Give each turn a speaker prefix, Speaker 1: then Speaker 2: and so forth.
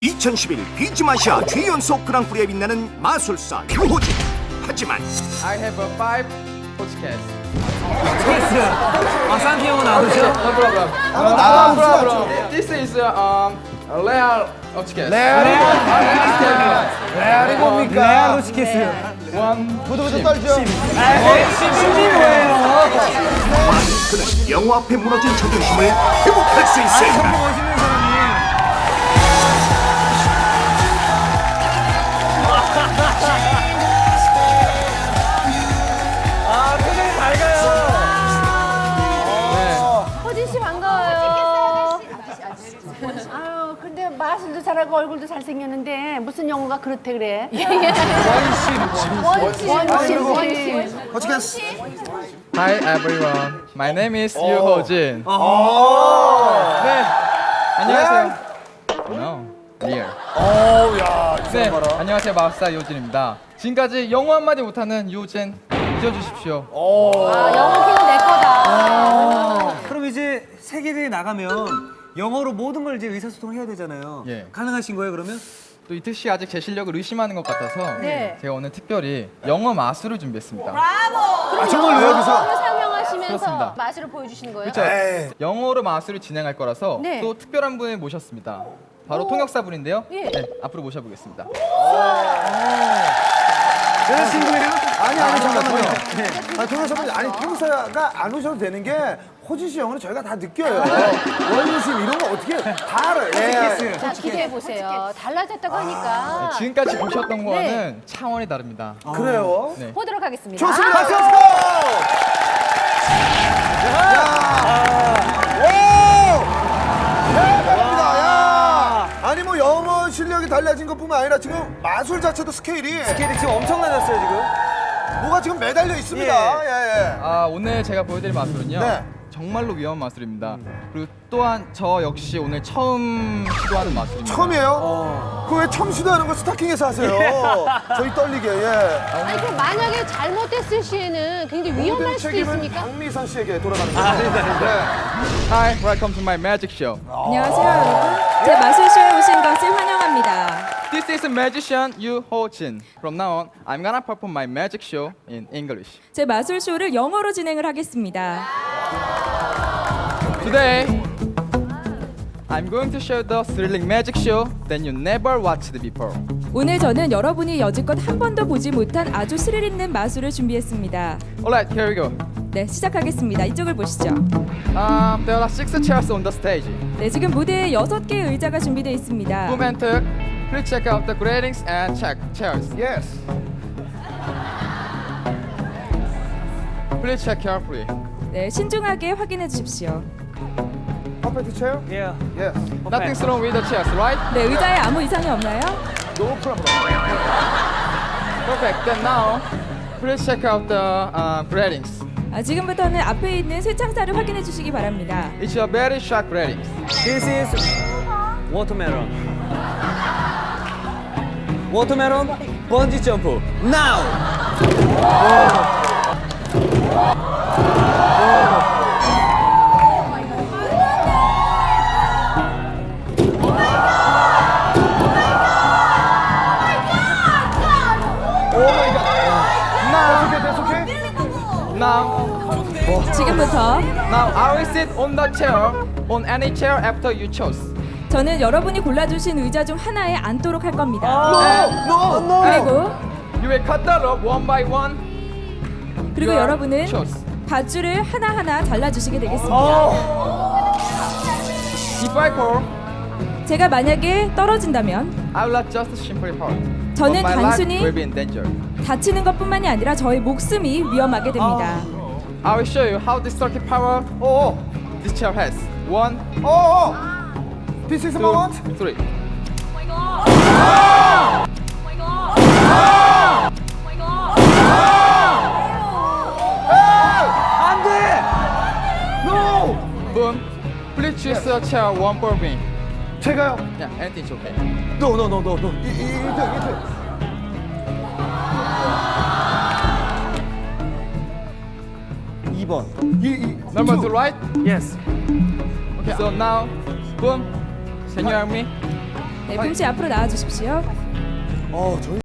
Speaker 1: 2011 비즈마시아 최연소 그랑프리에 빛나는 마술사 유호진. 하지만
Speaker 2: I have a 5 podcast.
Speaker 3: 쌍피형은 나오죠?
Speaker 2: No problem. No problem. This is a real podcast.
Speaker 3: 레알이 뭡니까? 레알 로치케스.
Speaker 4: 부들부들 떨죠?
Speaker 3: 시즌이 뭐예요?
Speaker 1: 그는 영화 앞에 무너진 자존심을 회복할 수 있을까?
Speaker 3: 멋있는 사람이. 표정이 밝아요.
Speaker 5: 호진 씨 반가워요. 아유, 근데 마술도 잘하고 얼굴도 잘생겼는데 무슨 영어가 그렇대 그래? 원신.
Speaker 4: 어떻게 했어?
Speaker 2: Hi everyone. My name is 유호진. 네. 안녕하세요. No. Real. 네. 안녕하세요. 마술사 유호진입니다. 지금까지 영어 한마디 못하는 유호진 잊어주십시오.
Speaker 5: 아, 영어 키는 내 거다.
Speaker 3: 그럼 이제 세계대회 나가면 영어로 모든 걸 이제 의사소통을 해야 되잖아요.
Speaker 2: 예.
Speaker 3: 가능하신 거예요, 그러면?
Speaker 2: 또 이특 씨 아직 제 실력을 의심하는 것 같아서
Speaker 5: 네.
Speaker 2: 제가 오늘 특별히 영어 마술을 준비했습니다.
Speaker 4: 정말로 여기서?
Speaker 5: 영어로 사용하시면서
Speaker 2: 그렇습니다.
Speaker 5: 마술을 보여주시는 거예요?
Speaker 2: 그렇죠. 영어로 마술을 진행할 거라서
Speaker 5: 네.
Speaker 2: 또 특별한 분을 모셨습니다. 바로 통역사분인데요.
Speaker 5: 예.
Speaker 2: 네, 앞으로 모셔보겠습니다.
Speaker 3: 여자친구예요?
Speaker 4: 아니 잠깐만요. 아니 동영상분 아니 통사가 안 오셔도 되는 게 호진 씨 영어는 저희가 다 느껴요. 원심 이런 거 어떻게 다 알아요. 예.
Speaker 5: 자, 기대해 보세요. 달라졌다고 하니까
Speaker 2: 지금까지 보셨던 거와는 차원이 다릅니다.
Speaker 4: 그래요?
Speaker 2: 네.
Speaker 5: 보도록 하겠습니다.
Speaker 4: 좋습니다. 렛츠고! 대박입니다. 야! 아니 뭐 영어 실력이 달라진 것뿐만 아니라 지금 마술 자체도 스케일이
Speaker 3: 스케일이 지금 엄청 낮았어요, 지금.
Speaker 4: 뭐가 지금 매달려 있습니다. 예.
Speaker 2: 오늘 제가 보여드릴 마술은요.
Speaker 4: 네.
Speaker 2: 정말로 위험한 마술입니다. 그리고 또한 저 역시 오늘 처음 시도하는 마술입니다.
Speaker 4: 처음이에요? 그 왜 처음 시도하는 거 스타킹에서 하세요? 저희 떨리게, 예.
Speaker 5: 아니, 그럼 만약에 잘못됐을 시에는 굉장히 위험할 수도
Speaker 4: 책임은
Speaker 5: 있습니까?
Speaker 4: 박미선 씨에게 돌아가는 거죠.
Speaker 2: Hi, welcome to my magic show.
Speaker 6: 안녕하세요 여러분. 제 마술쇼에 오신 것을 환영합니다.
Speaker 2: This is magician Yu Ho-jin. From now on, I'm gonna perform my magic show in English.
Speaker 6: 제 마술쇼를 영어로 진행을 하겠습니다.
Speaker 2: Today, I'm going to show the thrilling magic show that you never watched before.
Speaker 6: 오늘 저는 여러분이 여지껏 한 번도 보지 못한 아주 스릴 있는 마술을 준비했습니다.
Speaker 2: Alright, here we go.
Speaker 6: 네, 시작하겠습니다. 이쪽을 보시죠.
Speaker 2: There are 6 chairs on the stage.
Speaker 6: 네, 지금 무대에 6개의 의자가 준비되어 있습니다.
Speaker 2: Boom and Tuk, please check out the gradings and check chairs.
Speaker 4: Yes.
Speaker 2: Please check carefully.
Speaker 6: 네, 신중하게 확인해 주십시오.
Speaker 4: 퍼펙트 체어?
Speaker 3: 예.
Speaker 4: Yes.
Speaker 2: Nothing's wrong with the chairs, right?
Speaker 6: 네, 의자에 아무 이상이 없나요?
Speaker 4: No problem.
Speaker 2: Perfect. Then now, please check out the gradings.
Speaker 6: 지금부터는 앞에 있는 쇠창살을 확인해 주시기 바랍니다.
Speaker 2: It's a very sharp gradings.
Speaker 3: This is watermelon. Watermelon 번지 점프. Now.
Speaker 2: Now,
Speaker 6: 지금부터
Speaker 2: I will sit on the chair, on any chair after you chose.
Speaker 6: 저는 여러분이 골라주신 의자 중 하나에 앉도록 할 겁니다.
Speaker 4: No.
Speaker 6: 그리고
Speaker 2: You will cut the rope one by one.
Speaker 6: 그리고
Speaker 2: You are
Speaker 6: 여러분은
Speaker 2: chose.
Speaker 6: 밧줄을 하나하나 잘라주시게 되겠습니다.
Speaker 2: If I fall,
Speaker 6: 제가 만약에 떨어진다면
Speaker 2: I will not just simply fall.
Speaker 6: 저는
Speaker 2: But my life
Speaker 6: 단순히
Speaker 2: will be in danger.
Speaker 6: 다치는 것뿐만이 아니라 저의 목숨이 위험하게 됩니다.
Speaker 2: I will show you how destructive power
Speaker 4: 오.
Speaker 2: this chair has. 1,
Speaker 4: 오. This is
Speaker 2: 2,
Speaker 4: moment.
Speaker 2: 3.
Speaker 3: 안 돼.
Speaker 4: No.
Speaker 2: Boom. Please choose a chair one for me.
Speaker 4: 제가요.
Speaker 2: Yeah, anything's okay.
Speaker 4: No. 이틀.
Speaker 3: 2번.
Speaker 2: Number 2, right?
Speaker 3: Yes.
Speaker 2: Okay. So now, boom. Can you hear me?
Speaker 6: 네, 붐씨 앞으로 나와 주십시오.
Speaker 4: 저희